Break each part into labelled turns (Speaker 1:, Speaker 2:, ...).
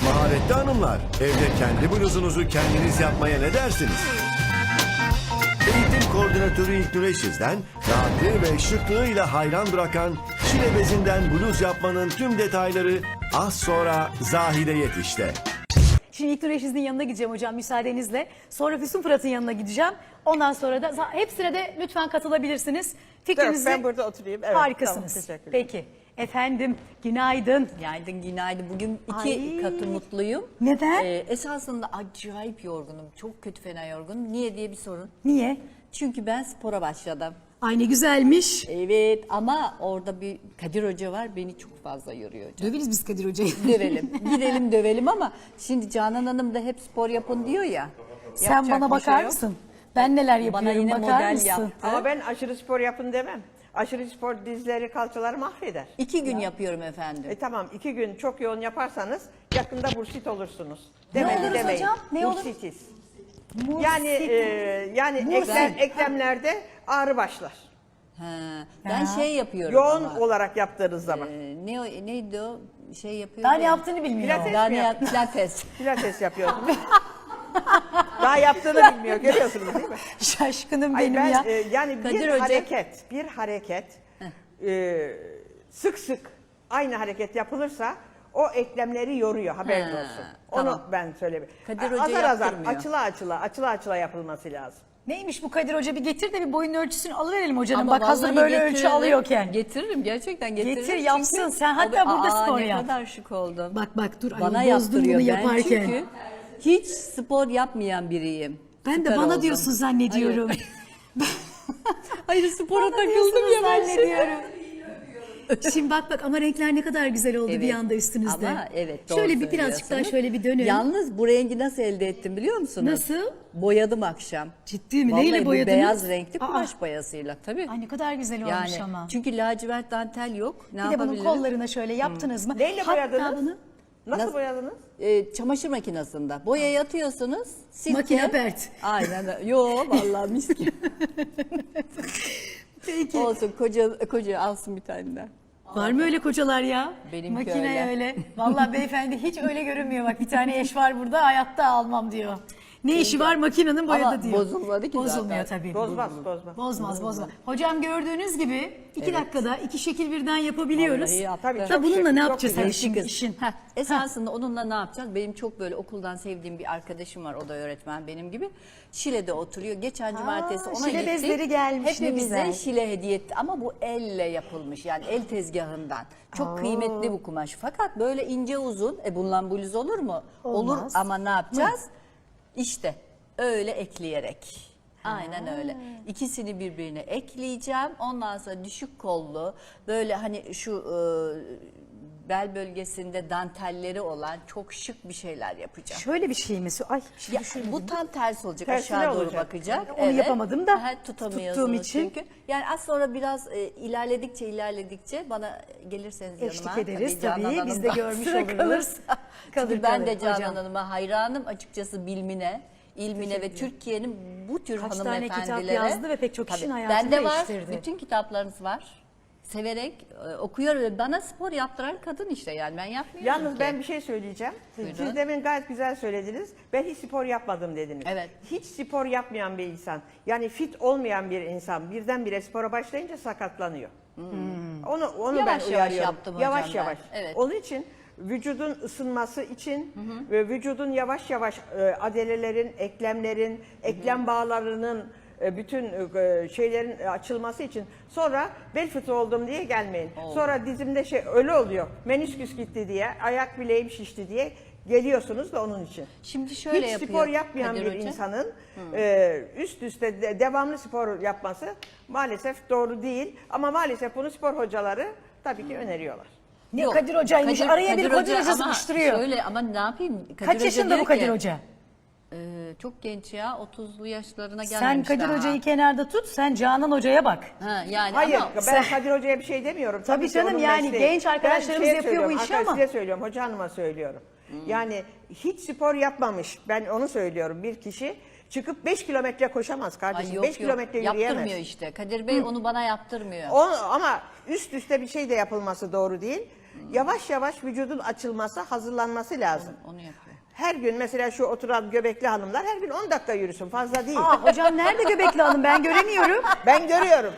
Speaker 1: Maharetli hanımlar, evde kendi bluzunuzu kendiniz yapmaya ne dersiniz? Eğitim koordinatörü İlknur Eşiz'den rahatlığı ve şıklığıyla hayran bırakan Şile bezinden bluz yapmanın tüm detayları az sonra Zahide Yetiş'te.
Speaker 2: Şimdi İlknur Eşiz'in yanına gideceğim hocam müsaadenizle. Sonra Füsun Fırat'ın yanına gideceğim. Ondan sonra da hepsine de lütfen katılabilirsiniz. Fikrinizi
Speaker 3: Ben burada oturayım. Evet,
Speaker 2: harikasınız.
Speaker 3: tamam, teşekkürler.
Speaker 2: Peki. Efendim günaydın.
Speaker 4: Günaydın, günaydın. Bugün iki
Speaker 2: Ay.
Speaker 4: katı mutluyum.
Speaker 2: Neden?
Speaker 4: Esasında acayip yorgunum. Çok kötü fena yorgunum. Niye diye bir sorun.
Speaker 2: Niye?
Speaker 4: Çünkü ben spora başladım.
Speaker 2: Ay ne güzelmiş.
Speaker 4: Evet ama orada bir Kadir Hoca var. Beni çok fazla yoruyor.
Speaker 2: Döveriz biz Kadir Hoca'yı.
Speaker 4: Dövelim. Gidelim dövelim ama şimdi Canan Hanım da hep spor yapın diyor ya.
Speaker 2: Sen
Speaker 4: Yapacak
Speaker 2: bana
Speaker 4: bir
Speaker 2: bakar
Speaker 4: şey yok.
Speaker 2: mısın? Ben neler yapıyorum
Speaker 4: Bana yine
Speaker 2: bakar
Speaker 4: model
Speaker 2: mısın?
Speaker 4: yaptı.
Speaker 3: Ama ben aşırı spor yapın demem. Aşırı spor dizleri, kalçaları mahveder.
Speaker 4: 2 gün yapıyorum efendim.
Speaker 3: Tamam 2 gün çok yoğun yaparsanız yakında bursit olursunuz.
Speaker 2: Ne
Speaker 3: Demedi
Speaker 2: oluruz
Speaker 3: demeyin.
Speaker 2: hocam? Ne olur?
Speaker 3: Bursitiz.
Speaker 2: Bursit.
Speaker 3: Yani eklemlerde ağrı başlar.
Speaker 4: Ha, ben şey yapıyorum
Speaker 3: Yoğun
Speaker 4: ama.
Speaker 3: olarak yaptığınız zaman.
Speaker 4: Neydi o? Şey yapıyor.
Speaker 2: Daha
Speaker 4: ya.
Speaker 2: ne yaptığını bilmiyor.
Speaker 3: Pilates
Speaker 4: Daha
Speaker 3: mi
Speaker 4: ne
Speaker 3: yaptın?
Speaker 4: Pilates.
Speaker 3: Pilates yapıyorsunuz. Daha yaptığını bilmiyor. Görüyorsunuz değil mi?
Speaker 2: Şaşkınım
Speaker 3: Ay
Speaker 2: benim
Speaker 3: ben,
Speaker 2: ya.
Speaker 3: yani
Speaker 4: Kadir
Speaker 3: bir
Speaker 4: Hoca-
Speaker 3: hareket sık sık aynı hareket yapılırsa o eklemleri yoruyor, haberin
Speaker 4: Ha,
Speaker 3: olsun.
Speaker 4: tamam.
Speaker 3: Onu ben söyleyeyim.
Speaker 4: Kadir Hoca
Speaker 3: Azar azar,
Speaker 4: yaptırmıyor.
Speaker 3: açıla açıla yapılması lazım.
Speaker 2: Neymiş bu Kadir Hoca, bir getir de bir boyun ölçüsünü alıverelim hocanın.
Speaker 4: Ama
Speaker 2: Bak hazır
Speaker 4: vallahi
Speaker 2: böyle ölçü
Speaker 4: getiririm.
Speaker 2: alıyorken.
Speaker 4: Getiririm, gerçekten getiririm.
Speaker 2: Getir, yapsın.
Speaker 4: Çünkü
Speaker 2: Sen hatta burada spor
Speaker 4: ne
Speaker 2: yap.
Speaker 4: Ne kadar şık oldum.
Speaker 2: Bak dur,
Speaker 4: Bana
Speaker 2: ayol, bozdun
Speaker 4: yaptırıyor.
Speaker 2: bunu
Speaker 4: Ben
Speaker 2: yaparken.
Speaker 4: çünkü hiç spor yapmayan biriyim.
Speaker 2: Ben de
Speaker 4: Süper
Speaker 2: bana
Speaker 4: oldum.
Speaker 2: diyorsun zannediyorum.
Speaker 4: Hayır spora
Speaker 2: Bana
Speaker 4: takıldım
Speaker 2: diyorsunuz
Speaker 4: ya ben.
Speaker 2: zannediyorum. Şimdi bak ama renkler ne kadar güzel oldu
Speaker 4: Evet.
Speaker 2: bir anda üstünüzde.
Speaker 4: Ama evet, doğru
Speaker 2: Şöyle bir birazcık daha
Speaker 4: söylüyorsunuz.
Speaker 2: şöyle bir dönün.
Speaker 4: Yalnız bu rengi nasıl elde ettim biliyor musunuz?
Speaker 2: Nasıl?
Speaker 4: Boyadım akşam.
Speaker 2: Ciddi mi?
Speaker 4: Vallahi
Speaker 2: Neyle
Speaker 4: bu
Speaker 2: boyadınız?
Speaker 4: beyaz renkli
Speaker 2: Aa.
Speaker 4: kumaş boyasıyla tabii.
Speaker 2: Ay ne kadar güzel olmuş
Speaker 4: Yani
Speaker 2: ama.
Speaker 4: çünkü lacivert dantel yok. Ne
Speaker 2: Bir de bunun
Speaker 4: yapabilirim?
Speaker 2: kollarına şöyle yaptınız mı?
Speaker 3: Neyle
Speaker 2: Hatta
Speaker 3: boyadınız?
Speaker 2: bunu
Speaker 3: Nasıl boyadınız?
Speaker 4: Çamaşır makinesinde. Boyayı atıyorsunuz. Sirke.
Speaker 2: Makine pert.
Speaker 4: Aynen öyle. Yo vallahi mis gibi.
Speaker 2: Peki.
Speaker 4: Olsun koca alsın bir tane de.
Speaker 2: Var mı öyle kocalar ya?
Speaker 4: Benimki
Speaker 2: Makine
Speaker 4: öyle.
Speaker 2: öyle. Vallahi beyefendi hiç öyle görünmüyor. Bak bir tane eş var burada, hayatta almam diyor. Ne işi var makinenin boyadı
Speaker 4: Ama
Speaker 2: diyor.
Speaker 4: bozulmadı ki
Speaker 2: Bozulmuyor
Speaker 4: zaten.
Speaker 2: tabii.
Speaker 3: Bozmaz.
Speaker 2: Bozmaz. Hocam gördüğünüz gibi 2 dakikada 2 şekil birden yapabiliyoruz.
Speaker 4: Vallahi yaptı.
Speaker 3: Tabii,
Speaker 2: Da
Speaker 3: çok
Speaker 2: bununla
Speaker 3: şık,
Speaker 2: ne
Speaker 3: çok
Speaker 2: yapacağız
Speaker 3: güzel.
Speaker 2: hani şimdi
Speaker 4: Kız.
Speaker 2: işin?
Speaker 4: Esasında onunla ne yapacağız? Benim çok böyle okuldan sevdiğim bir arkadaşım var. O da öğretmen benim gibi. Şile'de oturuyor. Geçen cumartesi ona
Speaker 2: Şile
Speaker 4: gittik.
Speaker 2: bezleri gelmiş, ne
Speaker 4: Hepimize
Speaker 2: güzel.
Speaker 4: Şile hediye etti. Ama bu elle yapılmış. Yani el tezgahından. Çok kıymetli bu kumaş. Fakat böyle ince uzun. Bundan bluz olur mu? Olur
Speaker 2: Olmaz.
Speaker 4: ama ne yapacağız? İşte öyle ekleyerek. Aynen öyle. İkisini birbirine ekleyeceğim. Ondan sonra düşük kollu böyle hani şu bel bölgesinde dantelleri olan çok şık bir şeyler yapacağım.
Speaker 2: Şöyle bir şey mi? Ay şimdi
Speaker 4: Ya,
Speaker 2: şöyle
Speaker 4: bu tam ters olacak.
Speaker 3: Tersine
Speaker 4: Aşağı doğru
Speaker 3: olacak.
Speaker 4: bakacak.
Speaker 2: Onu yapamadım da
Speaker 4: tutamıyorsunuz
Speaker 2: tuttuğum için.
Speaker 4: çünkü. Yani az sonra biraz ilerledikçe bana gelirseniz
Speaker 2: Eşlik
Speaker 4: yanıma.
Speaker 2: ederiz
Speaker 4: Canan
Speaker 2: tabii. Biz
Speaker 4: Hanım
Speaker 2: de
Speaker 4: da
Speaker 2: görmüş
Speaker 4: sıra
Speaker 2: oluruz.
Speaker 4: kalırsa.
Speaker 2: Kalır,
Speaker 4: Çünkü ben de
Speaker 2: kalır
Speaker 4: Canan
Speaker 2: hocam.
Speaker 4: Hanım'a hayranım açıkçası bilmine, ilmine ve Türkiye'nin bu tür
Speaker 2: Kaç tane
Speaker 4: hanımefendilere.
Speaker 2: kitap yazdı ve pek çok kişinin
Speaker 4: Tabii,
Speaker 2: hayatını
Speaker 4: bende var.
Speaker 2: değiştirdi.
Speaker 4: Bütün kitaplarınız var. Severek okuyor ve bana spor yaptıran kadın işte yani ben yapmıyorum
Speaker 3: Yalnız
Speaker 4: ki.
Speaker 3: ben bir şey söyleyeceğim.
Speaker 4: Buyurun.
Speaker 3: Siz demin gayet güzel söylediniz. Ben hiç spor yapmadım dediniz.
Speaker 4: Evet.
Speaker 3: Hiç spor yapmayan bir insan, yani fit olmayan bir insan birdenbire spora başlayınca sakatlanıyor. Onu
Speaker 4: Yavaş
Speaker 3: ben
Speaker 4: yavaş
Speaker 3: uyarıyorum.
Speaker 4: yaptım hocam
Speaker 3: Yavaş
Speaker 4: ben.
Speaker 3: yavaş.
Speaker 4: Evet.
Speaker 3: Onun için vücudun ısınması için ve vücudun yavaş yavaş adelelerin, eklemlerin, eklem bağlarının bütün şeylerin açılması için sonra bel fıtığı oldum diye gelmeyin. Sonra dizimde öyle oluyor. Menisküs gitti diye, ayak bileğim şişti diye geliyorsunuz da onun için.
Speaker 4: Şimdi şöyle
Speaker 3: Hiç
Speaker 4: yapıyor
Speaker 3: spor yapmayan
Speaker 4: Kadir
Speaker 3: bir
Speaker 4: Hoca.
Speaker 3: insanın üst üste devamlı spor yapması maalesef doğru değil. Ama maalesef bunu spor hocaları tabii ki öneriyorlar.
Speaker 2: Ne
Speaker 4: Yok,
Speaker 2: Kadir Hoca'ymış. Araya bir Kadir Hoca
Speaker 4: ama
Speaker 2: sıkıştırıyor.
Speaker 4: Şöyle ama ne yapayım? Kadir
Speaker 2: Kaç
Speaker 4: Hoca
Speaker 2: yaşında
Speaker 4: diyor
Speaker 2: bu Kadir
Speaker 4: ki,
Speaker 2: Hoca?
Speaker 4: Çok genç ya 30'lu yaşlarına
Speaker 2: Sen
Speaker 4: gelmemiş
Speaker 2: Kadir
Speaker 4: daha.
Speaker 2: Hoca'yı kenarda tut, sen Canan Hoca'ya bak.
Speaker 4: Ha, yani
Speaker 3: Hayır,
Speaker 4: ama
Speaker 3: ben Kadir Hoca'ya bir şey demiyorum.
Speaker 2: Tabii
Speaker 3: ki
Speaker 2: canım,
Speaker 3: onun
Speaker 2: yani
Speaker 3: mesleği.
Speaker 2: genç arkadaşlarımız
Speaker 3: Ben
Speaker 2: yapıyor bu
Speaker 3: söylüyorum,
Speaker 2: işi ama.
Speaker 3: Size söylüyorum, hoca hanıma söylüyorum. Yani hiç spor yapmamış, ben onu söylüyorum. Bir kişi çıkıp 5 kilometre koşamaz
Speaker 4: Ay
Speaker 3: kardeşim.
Speaker 4: yok,
Speaker 3: 5 kilometre
Speaker 4: yaptırmıyor
Speaker 3: yürüyemez.
Speaker 4: işte. Kadir Bey onu bana yaptırmıyor.
Speaker 3: Ama üst üste bir şey de yapılması doğru değil. Yavaş yavaş vücudun açılması, hazırlanması lazım.
Speaker 4: Onu yapıyor.
Speaker 3: Her gün mesela şu oturan göbekli hanımlar her gün 10 dakika yürüsün, fazla değil.
Speaker 2: Aa, hocam nerede göbekli hanım, ben göremiyorum.
Speaker 3: Ben görüyorum.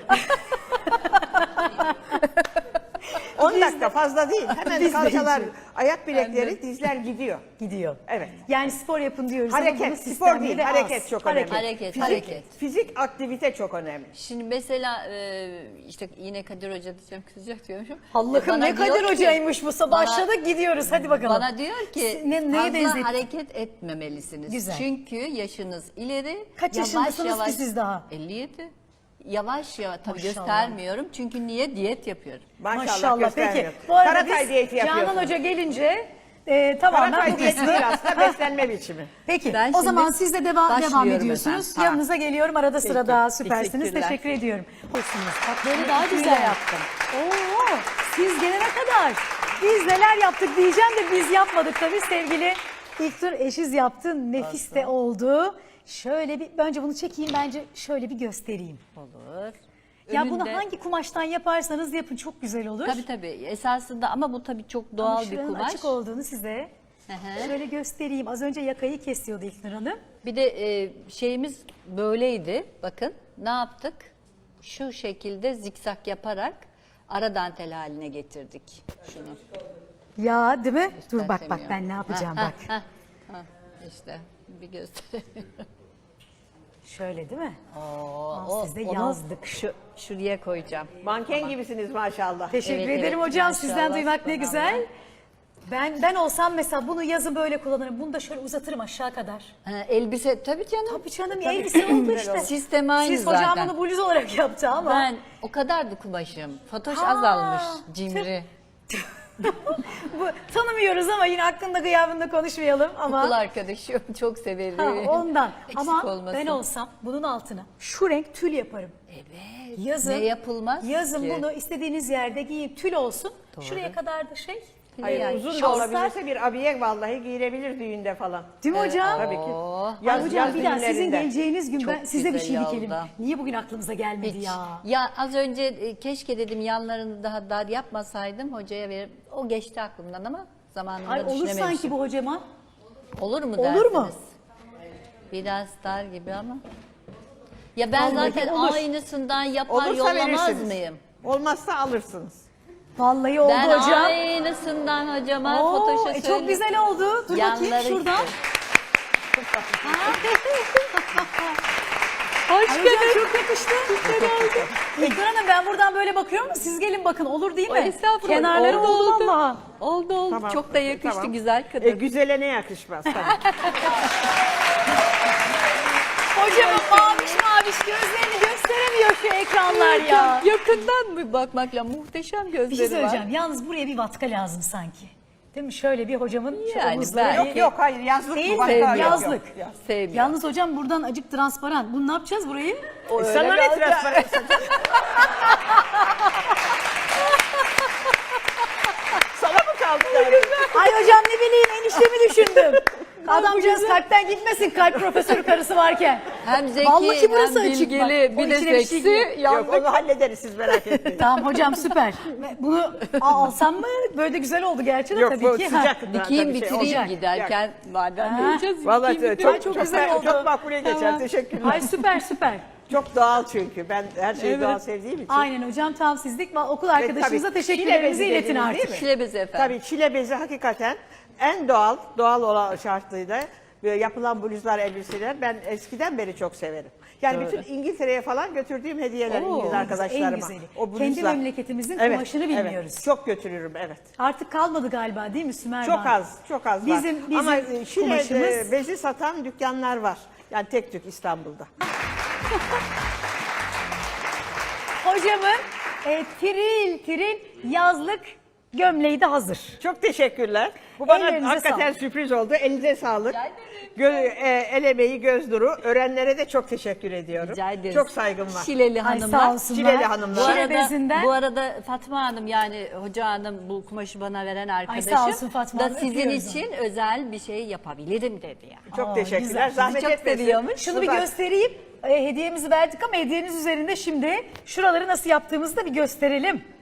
Speaker 3: 10 dakika fazla değil. Hemen
Speaker 2: Biz de
Speaker 3: kalçalar,
Speaker 2: gidiyor.
Speaker 3: ayak bilekleri, dizler gidiyor.
Speaker 2: Gidiyor.
Speaker 3: Evet.
Speaker 2: Yani spor yapın diyoruz ama bunun
Speaker 3: Hareket, spor
Speaker 2: sistemli
Speaker 3: değil,
Speaker 2: ve az.
Speaker 3: hareket çok önemli.
Speaker 4: Hareket,
Speaker 3: Fizik,
Speaker 4: hareket.
Speaker 3: fizik aktivite çok önemli.
Speaker 4: Şimdi mesela işte yine Kadir Hoca diyeceğim, kızacak diyormuşum.
Speaker 2: Allah'ım
Speaker 4: Bana
Speaker 2: ne
Speaker 4: diyor
Speaker 2: Kadir
Speaker 4: ki-
Speaker 2: Hoca'ymış bu.
Speaker 4: bana-
Speaker 2: Başladık gidiyoruz, hadi bakalım.
Speaker 4: Bana diyor ki
Speaker 2: Neye
Speaker 4: fazla
Speaker 2: benzettin?
Speaker 4: hareket etmemelisiniz.
Speaker 2: Güzel.
Speaker 4: Çünkü yaşınız ileri.
Speaker 2: Kaç yaşındasınız ki siz daha?
Speaker 4: 57. Yavaş yavaş tabii
Speaker 2: Maşallah.
Speaker 4: göstermiyorum çünkü niye diyet yapıyorum.
Speaker 3: Maşallah,
Speaker 2: Peki.
Speaker 3: göstermiyor.
Speaker 2: Bu arada
Speaker 3: Karatay
Speaker 2: biz
Speaker 3: diyeti yapıyorsun.
Speaker 2: Canan Hoca gelince tamamen
Speaker 3: Karatay
Speaker 2: bu
Speaker 3: diyeti
Speaker 2: kısmı.
Speaker 3: değil aslında, beslenme biçimi.
Speaker 2: Peki
Speaker 4: Ben
Speaker 2: o
Speaker 4: şimdi
Speaker 2: zaman siz de devam
Speaker 4: başlıyorum
Speaker 2: ediyorsunuz.
Speaker 4: efendim.
Speaker 2: Yanınıza geliyorum arada sırada, süpersiniz.
Speaker 4: teşekkürler.
Speaker 2: Teşekkür ediyorum. Hoşsunuz. Bak böyle daha güzel yaptım. Oo, siz gelene kadar biz neler yaptık diyeceğim de biz yapmadık tabii. Sevgili İlknur eşiz yaptı. Nefis de oldu. Şöyle bir, önce bunu çekeyim, bence şöyle bir göstereyim.
Speaker 4: Olur.
Speaker 2: Ya bunu
Speaker 4: Önünde-
Speaker 2: hangi kumaştan yaparsanız yapın çok güzel olur.
Speaker 4: Tabii tabii esasında ama bu tabii çok
Speaker 2: Ama
Speaker 4: doğal bir
Speaker 2: şuranın
Speaker 4: kumaş.
Speaker 2: açık olduğunu size
Speaker 4: hı.
Speaker 2: şöyle göstereyim. Az önce yakayı kesiyordu İlknur Hanım.
Speaker 4: Bir de şeyimiz böyleydi. Bakın ne yaptık? Şu şekilde zikzak yaparak ara dantel haline getirdik şunu.
Speaker 2: Ya değil mi? Dur bak
Speaker 4: Gösteremiyorum.
Speaker 2: ben ne yapacağım
Speaker 4: Ha,
Speaker 2: bak.
Speaker 4: ha, ha. İşte bir gösteremiyorum.
Speaker 2: Şöyle değil mi?
Speaker 4: Oo,
Speaker 2: siz de
Speaker 4: onu
Speaker 2: yazdık.
Speaker 4: Şuraya koyacağım.
Speaker 3: Manken gibisiniz maşallah.
Speaker 2: Teşekkür
Speaker 4: Evet,
Speaker 2: ederim
Speaker 4: evet,
Speaker 2: hocam. Sizden
Speaker 4: maşallah,
Speaker 2: duymak ne
Speaker 4: subhanallah.
Speaker 2: güzel. Ben olsam mesela bunu yazın böyle kullanırım. Bunu da şöyle uzatırım aşağı kadar.
Speaker 4: Ha, elbise tabii canım.
Speaker 2: Tabii canım elbise oldu işte.
Speaker 4: Sistem aynı
Speaker 2: Siz hocam
Speaker 4: zaten.
Speaker 2: bunu bluz olarak yaptı ama.
Speaker 4: Ben o kadardı kumaşım. Fatoş
Speaker 2: Ha,
Speaker 4: azalmış cimri.
Speaker 2: Bu, tanımıyoruz ama yine hakkında gıyabında konuşmayalım ama.
Speaker 4: Okul arkadaşım çok severim.
Speaker 2: Ha, ondan.
Speaker 4: Eksik
Speaker 2: Ama
Speaker 4: olmasın.
Speaker 2: ben olsam bunun altına şu renk tül yaparım.
Speaker 4: Evet.
Speaker 2: Yazın,
Speaker 4: Ne yapılmaz
Speaker 2: yazın
Speaker 4: ki?
Speaker 2: bunu istediğiniz yerde giyin, tül olsun. Şuraya kadar da şey.
Speaker 3: Hayır,
Speaker 2: yani
Speaker 3: uzun da
Speaker 2: şortlar.
Speaker 3: olabilirse bir abiye vallahi giyilebilir düğünde falan.
Speaker 2: Değil mi hocam?
Speaker 3: Tabii ki.
Speaker 4: Oo.
Speaker 2: Ay hocam bir daha sizin
Speaker 3: düğünlerinde.
Speaker 2: geleceğiniz gün
Speaker 4: Çok
Speaker 2: ben size bir şey
Speaker 4: güzel
Speaker 2: dikelim.
Speaker 4: oldu.
Speaker 2: Niye bugün aklımıza gelmedi
Speaker 4: Hiç.
Speaker 2: ya?
Speaker 4: Ya az önce keşke dedim yanlarını daha dar yapmasaydım hocaya verip o geçti aklımdan ama zamanında
Speaker 2: Ay olur
Speaker 4: düşünememişim.
Speaker 2: sanki bu hocama.
Speaker 4: Olur mu
Speaker 2: Olur mu?
Speaker 4: dersiniz? Biraz dar gibi ama. Ya ben
Speaker 2: Vallahi
Speaker 4: zaten
Speaker 2: olur.
Speaker 4: aynısından yapar
Speaker 3: Olursa
Speaker 4: yollamaz
Speaker 3: verirsiniz.
Speaker 4: mıyım?
Speaker 3: Olmazsa alırsınız.
Speaker 2: Vallahi oldu
Speaker 4: Ben
Speaker 2: hocam.
Speaker 4: aynısından hocama
Speaker 2: Oo,
Speaker 4: Fatoş'a
Speaker 2: çok
Speaker 4: söyleyeyim.
Speaker 2: güzel oldu. Dur bakayım
Speaker 4: Yanları
Speaker 2: şuradan.
Speaker 4: işte.
Speaker 2: Ay hocam çok yakıştı. İlknur Hanım ben buradan böyle bakıyorum ama siz gelin bakın olur değil mi?
Speaker 4: Estağfurullah.
Speaker 2: Kenarları oldu
Speaker 4: oldu.
Speaker 2: vallahi.
Speaker 4: Oldu oldu.
Speaker 3: Tamam.
Speaker 4: Çok da yakıştı
Speaker 3: Tamam.
Speaker 4: güzel kadın.
Speaker 3: Güzele ne yakışmaz tabii.
Speaker 2: Hocamın maviş gözlerini gösteremiyor şu ekranlar ya.
Speaker 4: Yakından mı bakmakla muhteşem gözleri
Speaker 2: Bir şey
Speaker 4: var.
Speaker 2: söyleyeceğim. Yalnız buraya bir vatka lazım sanki. Değil mi? Şöyle bir hocamın şu
Speaker 4: Yani
Speaker 2: omuzları.
Speaker 4: ben-
Speaker 3: Yok yok hayır yazlık
Speaker 2: Değil
Speaker 3: bu.
Speaker 2: mi?
Speaker 3: Başka yok,
Speaker 2: Yazlık.
Speaker 3: yok.
Speaker 4: Sevmiyorum.
Speaker 2: Yalnız hocam buradan acık transparan. Bunu ne yapacağız burayı?
Speaker 3: Sana ne transparan? Sana mı kaldı derdi?
Speaker 2: Ay hocam ne bileyim eniştemi düşündüm. Adamcağız kalpten gitmesin kalp profesörü karısı varken.
Speaker 4: Hem zeki
Speaker 2: Vallahi burası
Speaker 4: hem
Speaker 2: açık bak.
Speaker 4: bilgili
Speaker 2: O
Speaker 4: bir de
Speaker 2: içine bir şey
Speaker 4: seksi.
Speaker 2: giriyor.
Speaker 3: Yok onu hallederiz siz merak etmeyin.
Speaker 2: Tamam hocam süper. Bunu alsam mı? Böyle de güzel oldu gerçi de
Speaker 3: Yok
Speaker 2: tabii
Speaker 3: bu
Speaker 2: ki.
Speaker 3: sıcak.
Speaker 4: Dikeyim
Speaker 3: tabii şey
Speaker 4: bitireyim
Speaker 3: olacak.
Speaker 4: giderken madem
Speaker 2: Ha.
Speaker 4: diyeceğiz.
Speaker 3: Vallahi
Speaker 4: dikeyim
Speaker 3: çok,
Speaker 2: çok
Speaker 3: çok
Speaker 2: güzel oldu.
Speaker 3: Çok makbule geçer. Teşekkürler.
Speaker 2: Ay süper süper.
Speaker 3: Çok doğal çünkü. Ben her şeyi doğal sevdiğim için.
Speaker 2: Aynen hocam tam sizlik. Okul arkadaşımıza
Speaker 3: tabii,
Speaker 2: teşekkürlerimizi
Speaker 3: çile bezi
Speaker 2: iletin
Speaker 3: dediniz,
Speaker 2: artık.
Speaker 3: değil mi?
Speaker 4: Şile bezi efendim.
Speaker 3: Tabii çile bezi hakikaten en doğal olan şartlıydı. Yapılan bluzlar, elbiseler ben eskiden beri çok severim. Yani bütün İngiltere'ye falan götürdüğüm hediyeler
Speaker 2: Oo,
Speaker 3: İngiliz arkadaşlarıma.
Speaker 2: en güzeli.
Speaker 3: O bluzlar.
Speaker 2: Kendi memleketimizin
Speaker 3: Evet,
Speaker 2: kumaşını bilmiyoruz.
Speaker 3: Evet, çok götürürüm evet.
Speaker 2: Artık kalmadı galiba değil mi Sümer
Speaker 3: Çok
Speaker 2: Hanım?
Speaker 3: çok az var.
Speaker 2: Bizim
Speaker 3: Ama Şile
Speaker 2: kumaşımız-
Speaker 3: bezi satan dükkanlar var. Yani tek tük İstanbul'da.
Speaker 2: Hocamın tiril yazlık gömleği de hazır.
Speaker 3: Çok teşekkürler. Bu bana
Speaker 2: Ellerinize
Speaker 3: hakikaten
Speaker 2: sağlık.
Speaker 3: sürpriz oldu. Elinize sağlık. El emeği, göz nuru. Öğrenlere de çok teşekkür ediyorum.
Speaker 4: Rica ederiz.
Speaker 3: Çok saygım var.
Speaker 4: Şileli
Speaker 2: Ay
Speaker 4: hanımlar.
Speaker 2: sağ olsunlar.
Speaker 3: Şileli hanımlar.
Speaker 4: Bu
Speaker 2: Şile
Speaker 4: arada,
Speaker 2: bezinden.
Speaker 4: bu arada Fatma Hanım yani hoca hanım bu kumaşı bana veren arkadaşım
Speaker 2: sağ olsun Fatma
Speaker 4: da
Speaker 2: Hanım,
Speaker 4: sizin
Speaker 2: öpüyoruz
Speaker 4: için özel bir şey yapabilirim dedi yani.
Speaker 3: Çok
Speaker 2: Aa,
Speaker 3: teşekkürler.
Speaker 2: güzel.
Speaker 3: Zahmet
Speaker 4: Sizi çok
Speaker 3: etmesin.
Speaker 4: seviyormuş.
Speaker 2: Şunu bir
Speaker 3: Buradan-
Speaker 2: göstereyim. Hediyemizi verdik ama hediyeniz üzerinde şimdi şuraları nasıl yaptığımızı da bir gösterelim.
Speaker 4: Heh.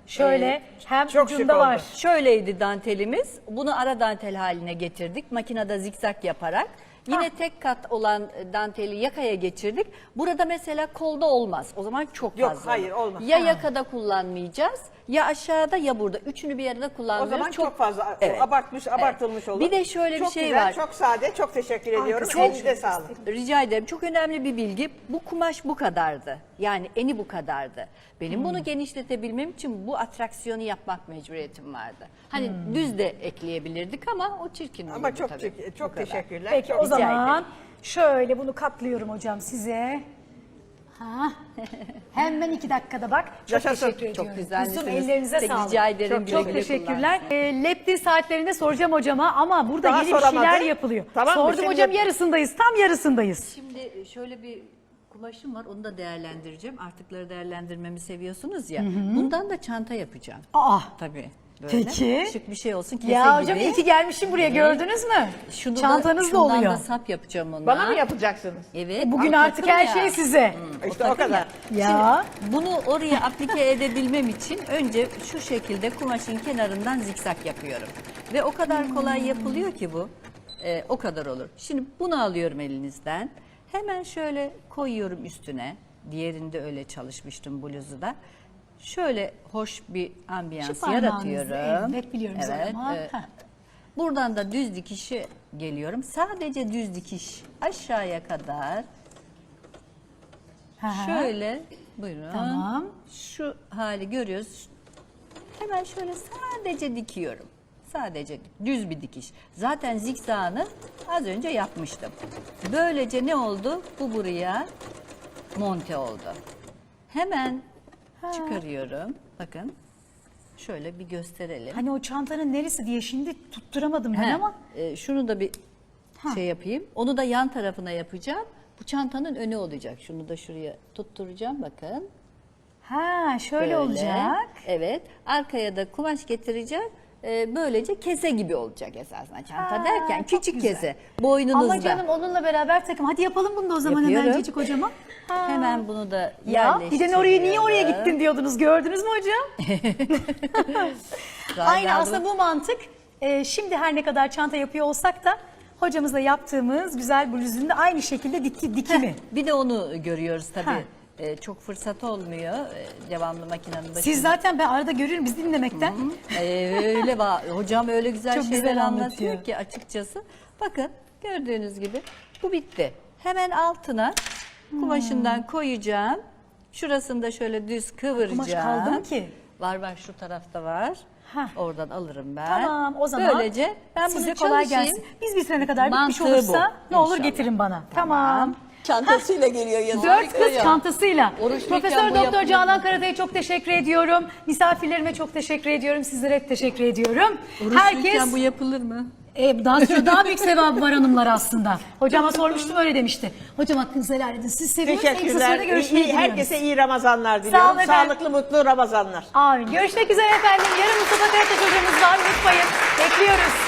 Speaker 2: Şöyle hem
Speaker 3: çok şık
Speaker 2: ucunda
Speaker 3: oldu.
Speaker 2: var.
Speaker 4: Şöyleydi dantelimiz. Bunu ara dantel haline getirdik. Makinede zikzak yaparak. Yine tek kat olan danteli yakaya geçirdik. Burada mesela kolda olmaz. O zaman çok
Speaker 3: Yok,
Speaker 4: fazla.
Speaker 3: hayır,
Speaker 4: olur.
Speaker 3: olmaz.
Speaker 4: Ya yakada kullanmayacağız, ya aşağıda ya burada. Üçünü bir arada
Speaker 3: O
Speaker 4: kullanmıyoruz.
Speaker 3: zaman çok fazla
Speaker 4: Evet.
Speaker 3: abartılmış olur.
Speaker 4: Bir de şöyle bir
Speaker 3: çok
Speaker 4: şey
Speaker 3: güzel,
Speaker 4: var.
Speaker 3: Çok sade, çok teşekkür ediyorum.
Speaker 2: çok-
Speaker 3: Elinize sağlık.
Speaker 4: Rica ederim. Çok önemli bir bilgi. Bu kumaş bu kadardı. Yani eni bu kadardı. Benim bunu genişletebilmem için bu atraksiyonu yapmak mecburiyetim vardı. Hani düz de ekleyebilirdik ama o çirkin
Speaker 3: Ama
Speaker 4: olurdu
Speaker 3: çok
Speaker 4: tabii.
Speaker 3: çok
Speaker 4: Bu kadar.
Speaker 3: teşekkürler.
Speaker 2: Peki
Speaker 3: Çok
Speaker 2: o
Speaker 3: rica
Speaker 2: zaman
Speaker 3: ederim.
Speaker 2: şöyle bunu katlıyorum hocam size. Ha. Hemen 2 dakikada bak. Çok
Speaker 3: Yaşasın.
Speaker 2: teşekkür
Speaker 3: Çok
Speaker 2: ediyorum.
Speaker 4: güzelsiniz.
Speaker 2: Kuzum, ellerinize
Speaker 4: Peki,
Speaker 2: sağlık.
Speaker 4: rica ederim.
Speaker 2: Çok,
Speaker 4: Güle
Speaker 2: çok
Speaker 4: güle
Speaker 2: teşekkürler. Leptir saatlerinde soracağım hocama ama burada
Speaker 3: Daha
Speaker 2: yeni bir şeyler
Speaker 3: soramadı.
Speaker 2: yapılıyor.
Speaker 3: Tamam mı?
Speaker 2: Sordum
Speaker 3: Şimdi-
Speaker 2: hocam, yarısındayız. Tam yarısındayız.
Speaker 4: Şimdi şöyle bir kumaşım var. Onu da değerlendireceğim. Artıkları değerlendirmemi seviyorsunuz ya. Bundan da çanta yapacağım.
Speaker 2: Aa.
Speaker 4: Tabii. Böyle
Speaker 2: Peki.
Speaker 4: şık bir şey olsun. Kese
Speaker 2: Ya hocam
Speaker 4: gibi.
Speaker 2: iyi ki gelmişim buraya, gördünüz mü? Çantanız da
Speaker 4: şundan
Speaker 2: oluyor.
Speaker 4: da sap yapacağım ona.
Speaker 3: Bana mı yapacaksınız?
Speaker 4: Evet.
Speaker 2: Bugün
Speaker 4: Aa,
Speaker 2: artık
Speaker 4: takım
Speaker 2: her
Speaker 4: ya.
Speaker 2: şey size.
Speaker 3: İşte o kadar.
Speaker 2: Ya.
Speaker 4: Bunu oraya aplike edebilmem için önce şu şekilde kumaşın kenarından zikzak yapıyorum. Ve o kadar kolay yapılıyor ki bu. O kadar olur. Şimdi bunu alıyorum elinizden. Hemen şöyle koyuyorum üstüne. Diğerinde öyle çalışmıştım bluzu da. Şöyle hoş bir ambiyans
Speaker 2: Şu parmağınızla,
Speaker 4: yaratıyorum.
Speaker 2: evet, biliyorum zaten ama. Heh.
Speaker 4: Buradan da düz dikişi geliyorum. Sadece düz dikiş aşağıya kadar.
Speaker 2: Hı hı.
Speaker 4: Şöyle buyurun.
Speaker 2: Tamam.
Speaker 4: Şu hali görüyoruz. Hemen şöyle sadece dikiyorum. Sadece düz bir dikiş. Zaten zikzağını az önce yapmıştım. Böylece ne oldu? Bu buraya monte oldu. Hemen çıkarıyorum. Bakın. Şöyle bir gösterelim.
Speaker 2: Hani o çantanın neresi diye şimdi tutturamadım ben
Speaker 4: He,
Speaker 2: ama.
Speaker 4: şunu da bir şey yapayım. Onu da yan tarafına yapacağım. Bu çantanın önü olacak. Şunu da şuraya tutturacağım bakın.
Speaker 2: Ha şöyle
Speaker 4: Böyle.
Speaker 2: olacak.
Speaker 4: Evet. Arkaya da kumaş getireceğim. Böylece kese gibi olacak esasında çanta
Speaker 2: Ha,
Speaker 4: derken
Speaker 2: çok
Speaker 4: küçük
Speaker 2: güzel.
Speaker 4: kese boynunuzda.
Speaker 2: Ama canım onunla beraber takım. Hadi yapalım bunu da o zaman
Speaker 4: Yapıyorum.
Speaker 2: hemencecik hocama. Ha.
Speaker 4: Hemen bunu da
Speaker 2: Ya
Speaker 4: yerleştiriyorum.
Speaker 2: bir de oraya niye oraya gittin diyordunuz, gördünüz mü hocam? Aynı aslında bu mantık. Şimdi her ne kadar çanta yapıyor olsak da hocamızla yaptığımız güzel bluzun da aynı şekilde dikimi.
Speaker 4: Bir de onu görüyoruz
Speaker 2: Ha.
Speaker 4: tabii. Çok fırsat olmuyor devamlı makinenin başında.
Speaker 2: Siz zaten ben arada görüyorum biz dinlemekten.
Speaker 4: Öyle hocam öyle güzel
Speaker 2: Çok
Speaker 4: şeyler
Speaker 2: güzel
Speaker 4: anlatıyor
Speaker 2: anlatıyor.
Speaker 4: ki açıkçası. Bakın gördüğünüz gibi bu bitti. Hemen altına kumaşından koyacağım. Şurasını da şöyle düz kıvıracağım.
Speaker 2: Kumaş kaldı mı ki?
Speaker 4: Var şu tarafta var.
Speaker 2: Hah.
Speaker 4: Oradan alırım ben.
Speaker 2: Tamam o zaman
Speaker 4: Böylece ben
Speaker 2: size
Speaker 4: bunu
Speaker 2: kolay
Speaker 4: çalışayım.
Speaker 2: gelsin. Biz bitirene kadar bitmiş
Speaker 4: Mantığı
Speaker 2: olursa
Speaker 4: bu,
Speaker 2: ne olur
Speaker 4: inşallah.
Speaker 2: getirin bana. Tamam.
Speaker 4: Çantasıyla geliyor yazın.
Speaker 2: 4 kız çantasıyla.
Speaker 4: Oruçluyken
Speaker 2: Profesör
Speaker 4: bu
Speaker 2: Doktor
Speaker 4: yapılır
Speaker 2: Canan Karatay'a çok teşekkür ediyorum. Misafirlerime çok teşekkür ediyorum. Sizlere hep teşekkür ediyorum.
Speaker 4: Oruçluyken bu yapılır mı?
Speaker 2: Daha büyük sevabı var hanımlar aslında. Hocama sormuştum, öyle demişti. Hocam hakkınızı helal edin. Siz seviyorsunuz. En kısa
Speaker 3: Teşekkürler.
Speaker 2: sürede görüşmeye gidiyoruz.
Speaker 3: Herkese iyi Ramazanlar diliyorum.
Speaker 2: olun efendim.
Speaker 3: Sağlıklı, mutlu Ramazanlar.
Speaker 2: Amin. Görüşmek üzere efendim. Yarın Mustafa Karataş hocamız var. Unutmayın. Bekliyoruz.